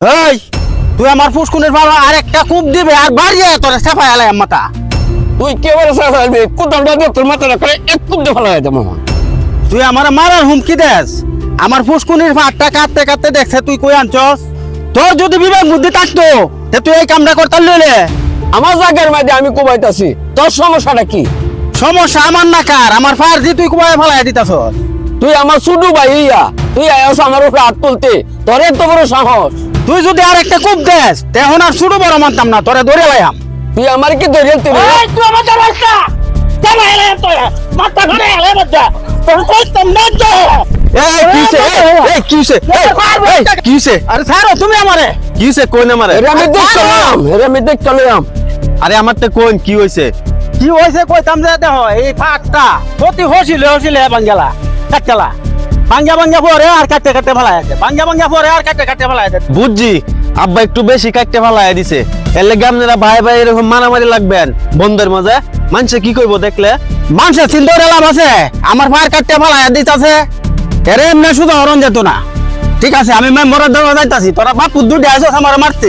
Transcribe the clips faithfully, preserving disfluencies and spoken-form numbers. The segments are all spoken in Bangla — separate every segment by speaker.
Speaker 1: এই তুই আমার ফুসকুনের ভালো আর একটা কূপ দিবে আর বাড়িয়ে তোর সাফাই আলাই মাথা।
Speaker 2: তুই কে বলে সাফাইবি কোদালটা দিয়ে তোর মাথাটা করে এক কুপ দিয়ে ফেলা যেত মামা।
Speaker 1: তুই আমার মারার হুমকি দেস? আমার ফুসকুনির ভাতটা কাটতে কাটতে দেখছে তুই কই আনছস? তোর যদি বিবেক বুদ্ধি থাকতো তে তুই এই কামটা করতে লইলে।
Speaker 2: আমার জায়গার মধ্যে আমি কুবাইতাছি, তোর সমস্যাটা কি?
Speaker 1: সমস্যা আমার না কার, আমার ফার্জি তুই কুবাই ফেলাই দিতাছস।
Speaker 2: তুই আমার শুধু ভাই ইয়া, তুই আয়াস আমার উপরে হাত তুলতে, তোর এত বড় সাহস?
Speaker 1: তুই যদি আর একটা কূপ দেস তেহন আর শুরু বড় মানতাম না, তোরে ধরে লাইয়াম।
Speaker 2: তুই আমার কি ধরিয়ে তুই?
Speaker 1: এই তুই আমার রাস্তা চালা এলে তোর মাথা ধরে এলে বাচ্চা তোর কইতাম না তো।
Speaker 3: এই কিছে এই কিছে এই কিছে
Speaker 1: আরে ছাড়ো তুমি আমারে।
Speaker 3: কিছে কোন আমারে?
Speaker 2: এরে আমি দেখলাম, এরে আমি দেখলাম।
Speaker 3: আরে আমার তো কোন কি হইছে?
Speaker 1: কি হইছে কইতাম যে দেখো এই ফাটটা প্রতি হসিলে হসিলে বাঙ্গালা কাটলা বাঙ্গা বাঙ্গা পরে আর কাটতে কাটতে ফেলাই আছে, বাঙ্গা বাঙ্গা পরে আর কাটতে কাটতে ফেলাই আছে।
Speaker 3: বুঝছি আব্বা একটু বেশি কাটতে ফালাই দিছে, এর লাগি আপনারা ভাই ভাই এরকম মারামারি লাগবেন বন্ধের মাঝে। মানুষে কি কইবো দেখলে?
Speaker 1: মানুষের চিন্তা লাভ আছে? আমার ফার কাটতে ফেলাই দিতেছে এরে এমনি শুধু হরণ যেত না। ঠিক আছে আমি মেম্বরের ধরে যাইতাছি, তোরা বাপু দুটি আসো আমার মারতে,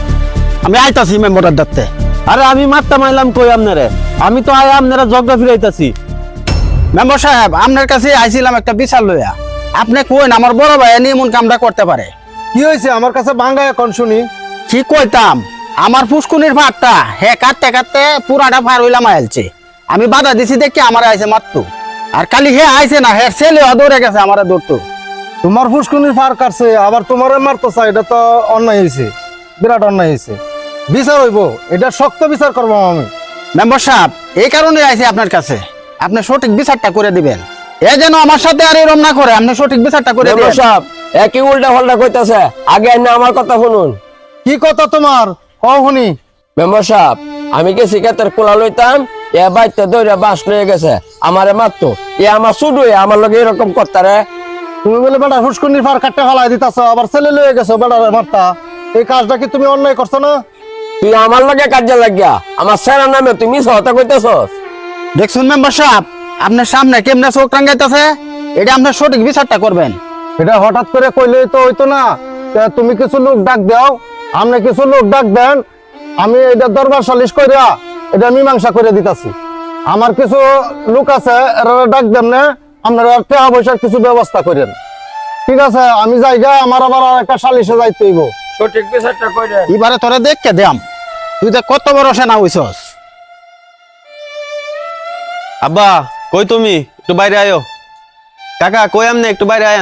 Speaker 1: আমি আইতাছি মেম্বরের ধরতে।
Speaker 3: আরে আমি মারতে মাইলাম কই আপনারে? আমি তো আয় আপনারা জগদা ফিরাইতাছি।
Speaker 1: মেম্বার সাহেব আপনার কাছে আইছিলাম একটা বিচার লইয়া, আপনি কইন আমার বড় ভাই এমন এমন কামটা করতে পারে।
Speaker 4: কি হয়েছে আমার কাছে ভাঙ্গা এখন শুনি?
Speaker 1: কি কইতাম, আমার ফুসকুনির ভাতটা হে কাটতে কাটতে পুরাটা ফার হইলাম আইলছে, আমি বাধা দিছি দেখি আমার আইছে মারতো, আর খালি হে আইছে না হে ছেলে দৌড়ে গেছে আমার দৌড়তো।
Speaker 4: তোমার ফুসকুনির ফার কাটছে আবার তোমার মারতো চাই, এটা তো অন্যায় হয়েছে, বিরাট অন্যায় হয়েছে। বিচার হইব, এটা শক্ত বিচার করবো আমি।
Speaker 1: মেম্বার সাহেব এই কারণে আইছি আপনার কাছে, আপনি সঠিক বিচারটা করে দিবেন। এ যেন আমার সাথে আর এরম না করে, আপনি সঠিক বিচারটা করে
Speaker 2: মেম্বার
Speaker 1: দিবেন।
Speaker 2: সাহেব একই উল্টা পাল্টা কইতাছে, আগে না আমার কথা শুনুন।
Speaker 4: কি কথা তোমার কও শুনি?
Speaker 2: মেম্বার সাহেব আমি গেছি ক্ষেতের কোলা লইতাম, এ বাইতে দৌড়ে বাঁশ লয়ে গেছে, আমারে মারতো। এ আমার শুধু আমার লগে এরকম করতারে।
Speaker 4: তুমি বলে বেটা ফুসকুনির ফার কাটতে ফেলাই দিতাছ, আবার ছেলে লয়ে গেছো বেটা মারতা, এই কাজটা কি তুমি অন্যায় করছো না?
Speaker 2: তুই আমার লগে কাজে লাগিয়া আমার সেরা নামে তুই মিছ কথা কইতেছস।
Speaker 1: দেখুন মেম্বার সাহেব আপনার সামনে কেমনে চোখ টাঙ্গাইতেছে, এটা আপনার সঠিক বিচারটা করবেন।
Speaker 4: এটা হঠাৎ করে কইলেই তো হইতো না, তা তুমি কিছু লোক ডাক দাও, আপনি কিছু লোক ডাক দেন, আমি এটা দরবার সালিশ কইরা এটা মীমাংসা করে দিতাছি। আমার কিছু লোক আছে এরা ডাক দেন না, আপনারা টাকা পয়সার কিছু ব্যবস্থা করেন। ঠিক আছে আমি যাইগা, আমার আবার আর একটা সালিশে যাইতে হইব।
Speaker 2: সঠিক বিচারটা কইরে
Speaker 1: এবারে তোরে দেখকে দেম তুই তো কত বড় সেনা হইছস।
Speaker 3: আব্বা কই তুমি? একটু বাইরে আয়ো। কাকা কই আমনে? একটু বাইরে আয়েন।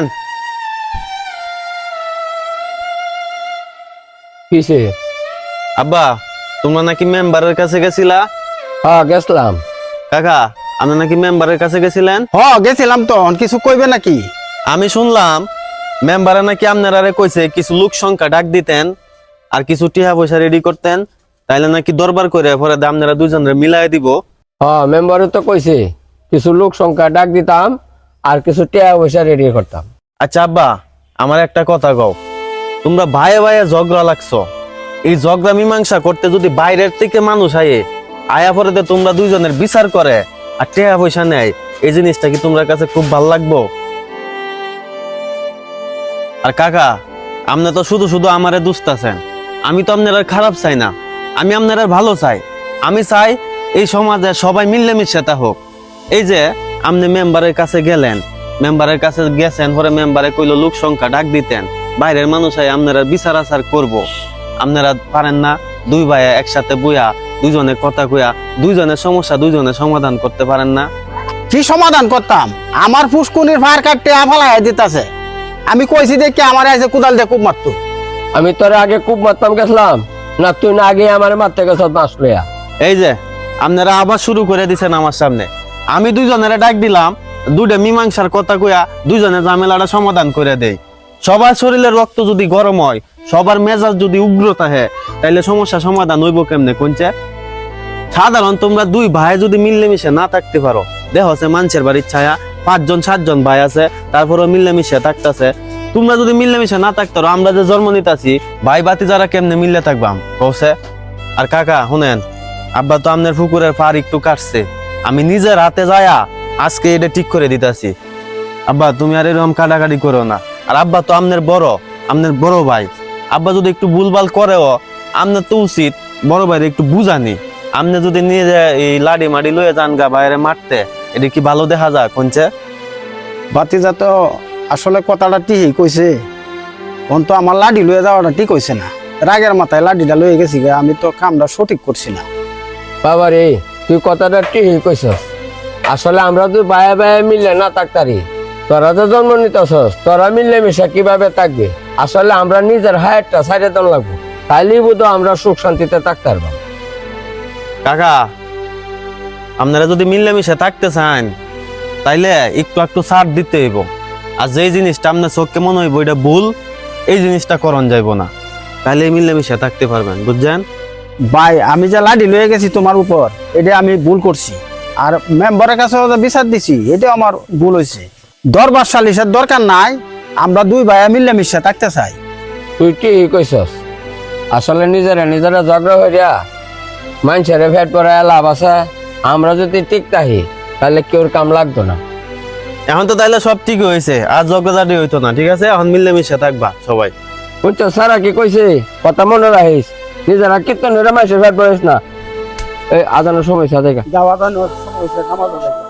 Speaker 2: কিসে?
Speaker 3: আব্বা তোমরা নাকি মেম্বারের কাছে গেছিলা?
Speaker 2: হ্যাঁ গেছলাম।
Speaker 3: কাকা আপনি নাকি মেম্বারের কাছে গেছিলেন?
Speaker 1: হ গেছিলাম তো, কিছু কইবে নাকি?
Speaker 3: আমি শুনলাম মেম্বারে নাকি আপনারা কইছে কিছু লোক সংখ্যা ডাক দিতেন আর কিছু টিহা পয়সা রেডি করতেন, তাইলে নাকি দরবার করে পরে আপনারা দুজনের মিলাই দিব।
Speaker 2: হ্যাঁ মেম্বারে তো কইছে কিছু লোক সংখ্যা ডাক দিতাম আর কিছু টাকা পয়সা রেডি করতাম।
Speaker 3: আচ্ছা আব্বা আমার একটা কথা কও, তোমরা ভাইয়ে ভাইয়ে ঝগড়া লাগছো, এই ঝগড়া মীমাংসা করতে যদি বাইরের থেকে মানুষ আয়ে আয়া পরে তোমরা দুইজনের বিচার করে আর টাকা পয়সা নেয়, এই জিনিসটা কি তোমরা কাছে খুব ভালো লাগবো? আর কাকা আপনি তো শুধু শুধু আমারে দুস্তাছেন, আমি তো আপনার খারাপ চাই না, আমি আপনার ভালো চাই। আমি চাই এই সমাজে সবাই মিলেমিশে তা হোক। এই যে আপনি মেম্বারের কাছে গেলেন, মেম্বারের কাছে গেছেন পরে মেম্বারে কইলো লোক সংখ্যা ডাক দিতেন, বাইরের মানুষ আই আপনারা বিচার আচার করবো, আপনারা পারেন না? দুই ভাই একসাথে বইয়া দুইজনে কথা কইয়া দুইজনের সমস্যা দুইজনের সমাধান করতে পারেন না?
Speaker 1: কি সমাধান করতাম? আমার ফুসকুনির ফার কাটতে আফালাই দিতাছে, আমি কইছি দেখি আমার আইছে কুদাল দিয়ে খুব মারতো।
Speaker 2: আমি তোর আগে খুব মারতাম গেছলাম না, তুই না আগে আমার মারতে গেছ বাঁশ লইয়া।
Speaker 3: এই যে আপনারা আবার শুরু করে দিছেন আমার সামনে, আমি দুইজনের ডাক দিলাম, দুইটা মীমাংসার কথা কইয়া দুইজনে ঝামেলাটা সমাধান করে দেই। সবার শরীরের রক্ত যদি গরম হয়, সবার মেজাজ যদি উগ্র থাকে, তাইলে সমস্যা সমাধান হইব কেমনে কোনছে? সাধারণ তোমরা দুই ভাই যদি মিলেমিশে না থাকতে পারো, দেখ হচ্ছে মানুষের বাড়ির ছায়া পাঁচজন সাতজন ভাই আছে, তারপরও মিলেমিশে থাকতেছে। তোমরা যদি মিলেমিশে না থাকতে পারো, আমরা যে জন্ম নিতেছি ভাই বাতি যারা কেমনে মিললে থাকবাম কৌছে? আর কাকা শুনেন, আব্বা তো আপনার পুকুরের পার একটু কাটছে, আমি নিজের হাতে যায়া আজকে এটা ঠিক করে দিতেছি। আব্বা তুমি আর এরকম কাটাকাটি করো না, আর আব্বা তো আপনার বড়, আপনার বড় ভাই, আব্বা যদি একটু ভুলভাল করেও আপনার তো উচিত বড় ভাইরে একটু বুঝানি। আপনি যদি নিয়ে যায় এই লাডি মাডি লয়ে যান গা বাইরে মারতে, এটা কি ভালো দেখা যায় কোনছে?
Speaker 1: বাতিজা তো আসলে কথাটা ঠিকই কইছে, তখন তো আমার লাডি লয়ে যাওয়াটা ঠিক হইছে না। রাগের মাথায় লাডিটা লয়ে গেছি গে, আমি তো কামটা সঠিক করছি না।
Speaker 2: বাবা রে, তুই কথাটা ঠিকই কইছস। আসলে আমরা তো বায়া বায়া মিললে না থাকতারি, তোরা তো জন্ম নিতেছস, তোরা মিললে মিশা কিভাবে থাকবে? আসলে আমরা নিজের হায়ারটা সাইডে দন লাগবো, তাইলেই বোধ আমরা সুখ শান্তিতে থাকতে পারবো।
Speaker 3: কাকা, আপনারা যদি মিলেমিশে থাকতে চান তাইলে একটু একটু ছাড় দিতে হইব। আর যে জিনিসটা আপনার চোখকে মনে হইব এটা ভুল, এই জিনিসটা করণ যাইব না, তাইলে মিলেমিশে থাকতে পারবেন, বুঝছেন?
Speaker 1: ভাই আমি যে লাডি লয়ে গেছি তোমার উপর, এটা আমি ভুল করছি। আর মেম্বারের কাছে যে বিচার দিছি, এটা আমার ভুল হয়েছে। দরবার সালিশের দরকার নাই, আমরা দুই ভাইয়া মিলেমিশে থাকতে চাই।
Speaker 2: তুই ঠিকই কইছস। আসলে নিজেরা নিজেরা ঝগড়া হইয়া মানুষের ফেট পরে লাভ আছে। আমরা যদি ঠিক থাকি তাহলে কেউর কাম লাগতো না।
Speaker 3: এখন তো তাইলে সব ঠিক হয়েছে, আর ঝগড়াঝাটি হইতো না, ঠিক আছে? এখন মিলেমিশে থাকবা সবাই।
Speaker 2: বুঝছো, সারা কি কইছে কথা মনে রাখিস, নিজেরা কীর্তন মানুষের ফেট পড়িস না। এই আজানোর সময় সাথে
Speaker 1: যাওয়া